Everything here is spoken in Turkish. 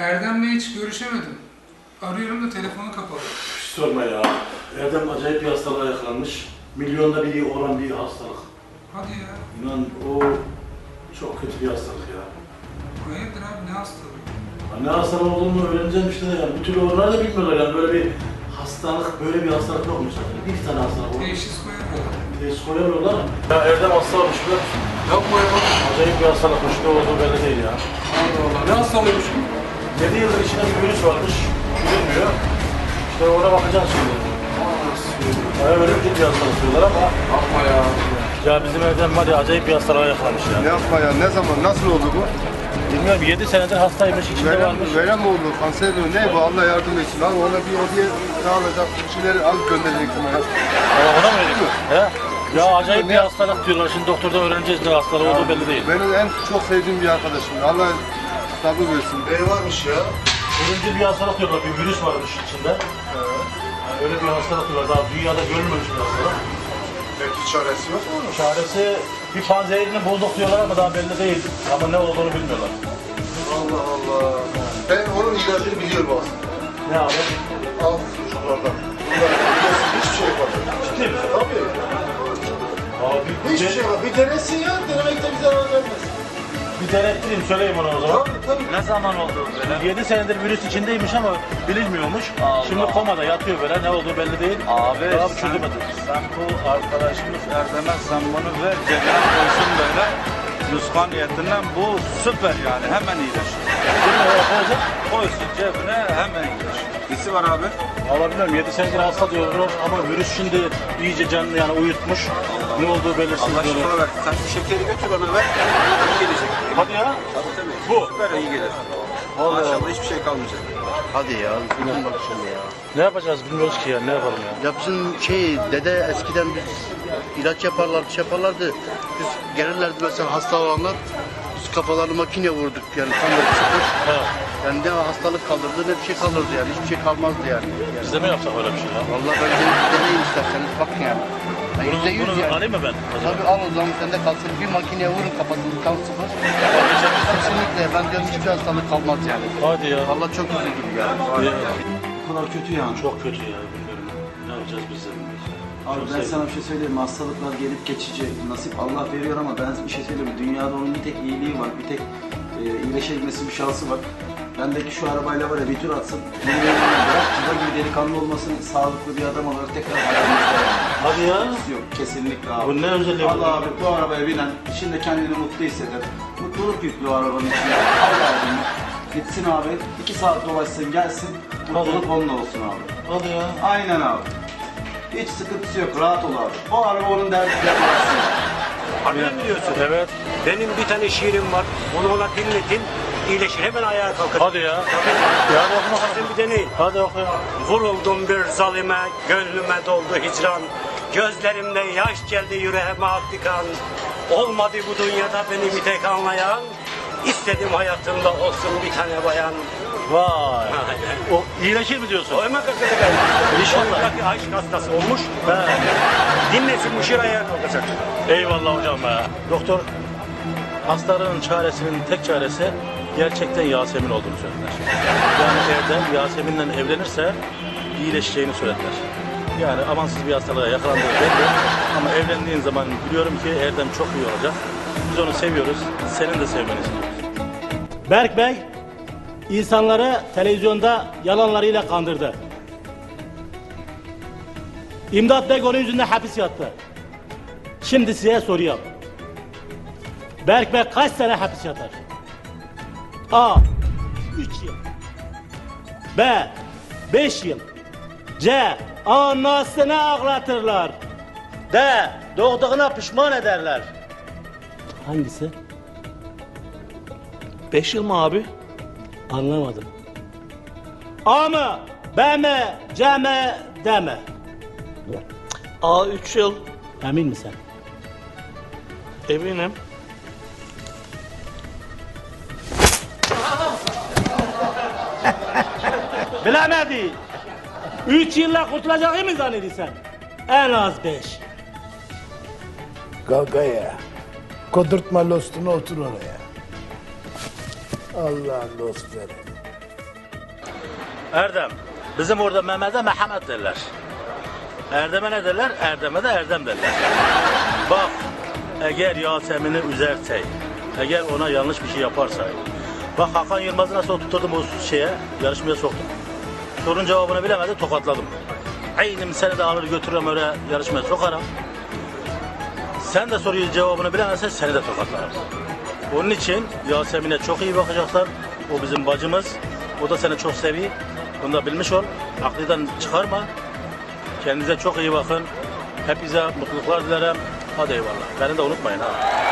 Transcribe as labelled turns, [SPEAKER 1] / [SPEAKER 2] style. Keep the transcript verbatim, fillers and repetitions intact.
[SPEAKER 1] Erdem'le hiç görüşemedim. Arıyorum da telefonu kapalı.
[SPEAKER 2] Hiç sorma ya. Erdem acayip bir hastalığa yakalanmış. Milyonda biri olan bir hastalık.
[SPEAKER 1] Hadi ya.
[SPEAKER 2] İnan o çok kötü bir hastalık ya.
[SPEAKER 1] Hayırdır abi, ne hastalığı?
[SPEAKER 2] Ya ne hastalık olduğunu öğreneceğim işte de yani. Bir türlü onlar da bilmiyorlar yani. Böyle bir hastalık, böyle bir hastalık yokmuş zaten. Bir tane hastalık var.
[SPEAKER 1] Teşhis koyamıyorlar.
[SPEAKER 2] Teşhis koyamıyorlar. Ya Erdem hasta olmuş biliyor musun?
[SPEAKER 1] Yok mu ya?
[SPEAKER 2] Acayip bir hastalıkmış. Ne olduğu belli değil ya.
[SPEAKER 1] Allah Allah. Ne hastalığıymış bu?
[SPEAKER 2] yedi yıldır içinde bir virüs varmış. Bilinmiyor. İşte ona bakacağız şimdi. Ya ölümcül bir hastalık diyorlar ama.
[SPEAKER 1] Yapma ya.
[SPEAKER 2] Ya bizim Erdem var ya acayip bir hastalığa yakalanmış ya.
[SPEAKER 3] Ne yapma ya, ne zaman, nasıl oldu bu?
[SPEAKER 2] Bilmiyorum yedi senedir hastaymış, içinde
[SPEAKER 3] Verem,
[SPEAKER 2] varmış.
[SPEAKER 3] verem mi oldu, kanser mi, ne bu, Allah yardım etsin. Abi ona bir hediye sağlayacak, bir şeyleri alıp göndereceksin bana.
[SPEAKER 2] Aa, ona mı öyle? He? Ya acayip bir hastalık diyorlar, şimdi doktorda öğreneceğiz ne hastalığı olduğu belli değil.
[SPEAKER 3] Benim en çok sevdiğim bir arkadaşım, Allah sabır versin.
[SPEAKER 4] Ne varmış ya?
[SPEAKER 2] Ölümcül bir hastalık diyorlar, bir virüs varmış içinde. Yani öyle bir hastalık diyorlar, daha dünyada görülmemiş bir hastalık.
[SPEAKER 4] Peki çaresi yok mu?
[SPEAKER 2] Çaresi bir panzehirini bulduk diyorlar ama daha belli değil. Ama ne olduğunu bilmiyorlar.
[SPEAKER 4] Allah Allah. Ben onun ilacını biliyorum aslında.
[SPEAKER 2] Ne abi?
[SPEAKER 4] Al çocuklardan. Bunlar biliyorsun hiçbir şey yapamıyor.
[SPEAKER 2] Ciddi misin?
[SPEAKER 4] Tabii.
[SPEAKER 2] Abi
[SPEAKER 4] Hiçbir şey yapamıyor. Bir denesin ya. Denemekte bir zarar vermez.
[SPEAKER 2] bir denettireyim, söyleyeyim ona o zaman.
[SPEAKER 4] Tabii tabii.
[SPEAKER 5] Ne zaman oldu böyle?
[SPEAKER 2] yedi senedir virüs içindeymiş ama bilinmiyormuş.
[SPEAKER 5] Allah.
[SPEAKER 2] Şimdi komada yatıyor böyle, ne olduğu belli değil.
[SPEAKER 5] Abi
[SPEAKER 2] Daha
[SPEAKER 5] sen,
[SPEAKER 2] çözemedi.
[SPEAKER 5] sen bu arkadaşımız Erdem'e sen bunu ver, cebine koysun böyle. Nuskan niyetinden bu süper yani, hemen iyileşir.
[SPEAKER 2] Şimdi oraya koyacak.
[SPEAKER 5] Koysun cebine, hemen iyileşir. Nesi var abi?
[SPEAKER 2] Valla bilmiyorum, yedi senedir hasta diyorlar ama virüs şimdi iyice canını yani uyutmuş. Ne olduğu belirsiz
[SPEAKER 6] Allah
[SPEAKER 2] diyorlar.
[SPEAKER 6] şifa versin. Sen şu şekeri götür bana ver. İyi gelecek.
[SPEAKER 2] Hadi ya.
[SPEAKER 6] Tabii tabii.
[SPEAKER 2] Bu.
[SPEAKER 6] Süper iyi gelir.
[SPEAKER 2] Vallahi.
[SPEAKER 6] Maşallah hiçbir şey kalmayacak.
[SPEAKER 4] Hadi ya, bilmem bak şimdi ya.
[SPEAKER 2] Ne yapacağız bilmiyoruz ki ya, ne yapalım ya.
[SPEAKER 4] Ya bizim şey, dede eskiden biz ilaç yaparlardı, şey yaparlardı. Biz gelirlerdi mesela hasta olanlar, biz kafalarını makine vurduk yani tam böyle sıfır.
[SPEAKER 2] He.
[SPEAKER 4] Yani ne hastalık kalırdı ne bir şey kalırdı yani, hiçbir şey kalmazdı yani.
[SPEAKER 2] Biz de mi yapsak öyle bir şey ya?
[SPEAKER 4] Vallahi ben de deneyin isterseniz bakın yani. Yani yüzde yüz
[SPEAKER 2] Bunu
[SPEAKER 4] yani.
[SPEAKER 2] alayım mı ben? O zaman?
[SPEAKER 4] Tabii al o zaman sende kalsın, bir makineye vurun kafasını tam sıfır. Kesinlikle ben diyorum hiçbir hastalık kalmaz yani.
[SPEAKER 2] Hadi ya.
[SPEAKER 4] Vallahi çok üzüldüm yani.
[SPEAKER 2] Ya.
[SPEAKER 7] Bu kadar kötü yani.
[SPEAKER 2] Çok kötü ya, bilmiyorum. Ne yapacağız biz de bilmiyoruz.
[SPEAKER 7] Abi
[SPEAKER 2] Çok
[SPEAKER 7] ben
[SPEAKER 2] sevdim.
[SPEAKER 7] sana bir şey söyleyeyim mi? Hastalıklar gelip geçici. Nasip Allah veriyor ama ben bir şey söyleyeyim mi? Dünyada onun bir tek iyiliği var. Bir tek e, iyileşebilmesi bir şansı var. Bendeki şu arabayla var ya bir tur atsın. Bırak çıba gibi delikanlı olmasın. Sağlıklı bir adam olarak tekrar hayatımızda yani.
[SPEAKER 2] Hadi ya.
[SPEAKER 7] Yok kesinlikle abi.
[SPEAKER 2] Bu ne özelliği bu?
[SPEAKER 7] Allah abi bu arabaya binen içinde kendini mutlu hisseder. Mutluluk yüklü o arabanın içinde. Al abim. Gitsin abi. iki saat dolaşsın gelsin. Mutluluk onunla olsun abi.
[SPEAKER 2] Hadi ya.
[SPEAKER 7] Aynen abi. Hiç sıkıntısı yok, rahat ol abi. O araba onun derdiyle uğraşsın.
[SPEAKER 8] Harbiden biliyorsun.
[SPEAKER 2] Evet.
[SPEAKER 8] Benim bir tane şiirim var. Onu ona dinletin. İyileşir. Hemen ayağa kalkar.
[SPEAKER 2] Hadi ya. Ya hadi oku bakalım.
[SPEAKER 8] Sen bir deneyin.
[SPEAKER 2] Hadi oku ya.
[SPEAKER 8] Vuruldum bir zalime, gönlüme doldu hicran. Gözlerimde yaş geldi yüreğime aktı kan. Olmadı bu dünyada beni bir tek anlayan. İstedim hayatımda olsun bir tane bayan.
[SPEAKER 2] Vay. O iyileşir mi diyorsun?
[SPEAKER 8] O hemen kalkacak ayağa. İnşallah. Aşk hastası olmuş.
[SPEAKER 2] He.
[SPEAKER 8] Dinlesin bu şiir ayağa kalkacak.
[SPEAKER 2] Eyvallah hocam ya. Doktor, hastaların çaresinin tek çaresi gerçekten Yasemin olduğunu söylediler. Yani Erdem Yasemin'le evlenirse iyileşeceğini söylediler. Yani amansız bir hastalığa yakalandığı belli. Ama evlendiğin zaman biliyorum ki Erdem çok iyi olacak. Biz onu seviyoruz. Senin de sevmeni istiyoruz.
[SPEAKER 9] Berk Bey, insanları televizyonda yalanlarıyla kandırdı. İmdat Bey onun yüzünden hapis yattı. Şimdi size soruyorum. Berk Bey kaç sene hapis yatar? A. üç yıl. B. beş yıl. C. Anasını ağlatırlar. D. Doğduğuna pişman ederler. Hangisi?
[SPEAKER 2] Beş yıl mı abi?
[SPEAKER 9] Anlamadım. A mı? B mi? C mi? D mi?
[SPEAKER 2] A üç yıl.
[SPEAKER 9] Emin misin?
[SPEAKER 2] Eminim.
[SPEAKER 9] Bilemedi. Üç yılla kurtulacağını mı zannediyorsun? En az beş.
[SPEAKER 10] Kalk ayağa. Kodurtma lostunu otur oraya. Allah'ın dostları.
[SPEAKER 2] Erdem. Bizim orada Mehmet'e Mehmet derler. Erdem'e ne derler? Erdem'e de Erdem derler. Bak, eğer Yasemin'i üzersek, eğer ona yanlış bir şey yaparsak, bak Hakan Yılmaz'ı nasıl oturturdum o şeye, yarışmaya soktum. Sorun cevabını bilemedi, tokatladım. Aynen seni de alır götürürüm öyle yarışmaya sokarım. Sen de soruyu cevabını bilemezsen seni de tokatlarım. Onun için Yasemin'e çok iyi bakacaklar. O bizim bacımız. O da seni çok seviyor. Bunu da bilmiş ol. Aklından çıkarma. Kendinize çok iyi bakın. Hepinize mutluluklar dilerim. Hadi eyvallah. Beni de unutmayın ha.